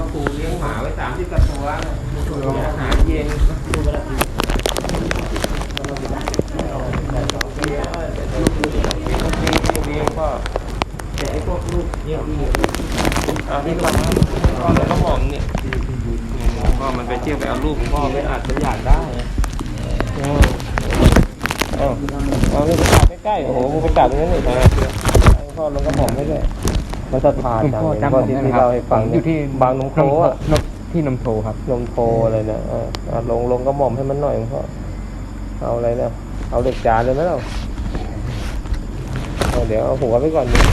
ครูเลี้ยงหมาไว้30 กว่าตัวมีอาหารเย็นเลี้ยงก็แต่ไอ้พวกลูกเนี่ยนี่ก็พ่อแล้วก็มองเนี่ยพ่อมันไปเที่ยวไปเอาลูกพ่อไปอาจจะอยากได้เอาไปกราบใกล้ๆโอ้โหมึงไปกราบตรงนั้นเลยพ่อลงกระหม่อมไม่ได้เขาศรัทธาจังเลยพ่อที่เราให้ฟังอยู่ที่บางนมโคอ่ะที่นมโทครับนมโคอะไรเนี่ยลงกระหม่อมให้มันหน่อยพ่อเอาอะไรนะเอาเหล็กจานเลยไหมเราเดี๋ยวเอาหัวไปก่อนดิ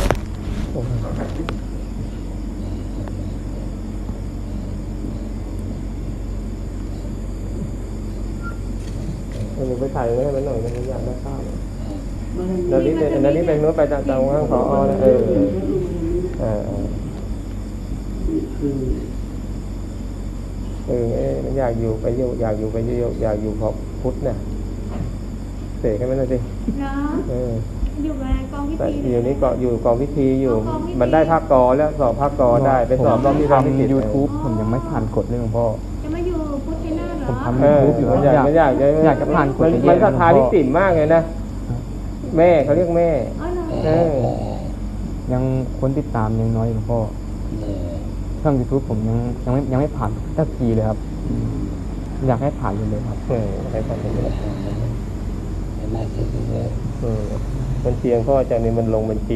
หนูไปถ่ายไว้ให้มันหน่อยมันอยากได้ข้าวแล้วนี่เป็นนู้นไปตามข้างขอนะมันอยากอยู่ไปอยากอยู่ไปอยากอยู่เพราะพุทธเนี่ยเสกให้มันหน่อยสิอยู่ในกองพิธีอยู่นี่ก็อยู่กองพิธีอยู่มันได้ภาคกอแล้วสอบภาคกอได้ไปสอบรอบที่ทำ YouTube ผมยังไม่ผ่านกฎเลยหลวงพ่อจะมาอยู่พุทธนาเหรอผมทำ YouTube อยู่อยากจะผ่านกฎมันศรัทธาที่สิ่งมากเลยนะแม่เขาเรียกแม่ยังคนติดตามยังน้อยหลวงพ่อช่อง YouTube ผมยังไม่ผ่านสักทีเลยครับอยากให้ผ่านเลยครับให้ผ่านเลยมันเชียงพ่อจากนี้มันลงบัญชี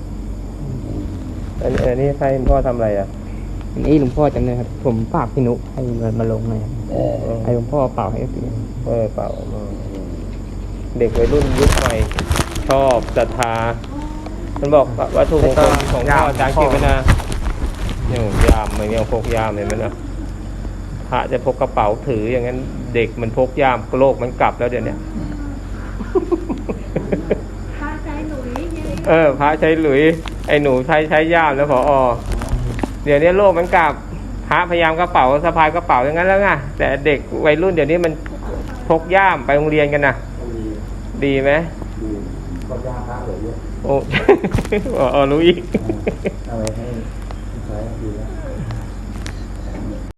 อันนี้ใครพ่อทำอะไรอ่ะนี่หลวงพ่อจำเลยครับผมฝากพี่นุให้มาลงเลยให้หลวงพ่อเป่าให้เสียเป่าเด็กวัยรุ่นยุคใหม่ชอบศรัทธามันบอกวัตถุมงคลของพ่ออาจารย์เก็บไว้นะเนี่ยยามมันยังพกยามเห็นไหมนะพระจะพกกระเป๋าถืออย่างนั้นเด็กมันพกยามโลกมันกลับแล้วเดี๋ยวนี้พระใช้หลุยพระใช้หลุยไอ้หนูใช้ย่ามแล้วพอเดี๋ยวนี้โลกมันกลับพระพยายามกระเป๋าสะพายกระเป๋าอย่างนั้นแล้วไงแต่เด็กวัยรุ่นเดี๋ยวนี้มันพกย่ามไปโรงเรียนกันนะดีไหมก็ย่ามพระเลยเยอะรู้อีกเอาไว้ให้ใช้ดีแล้ว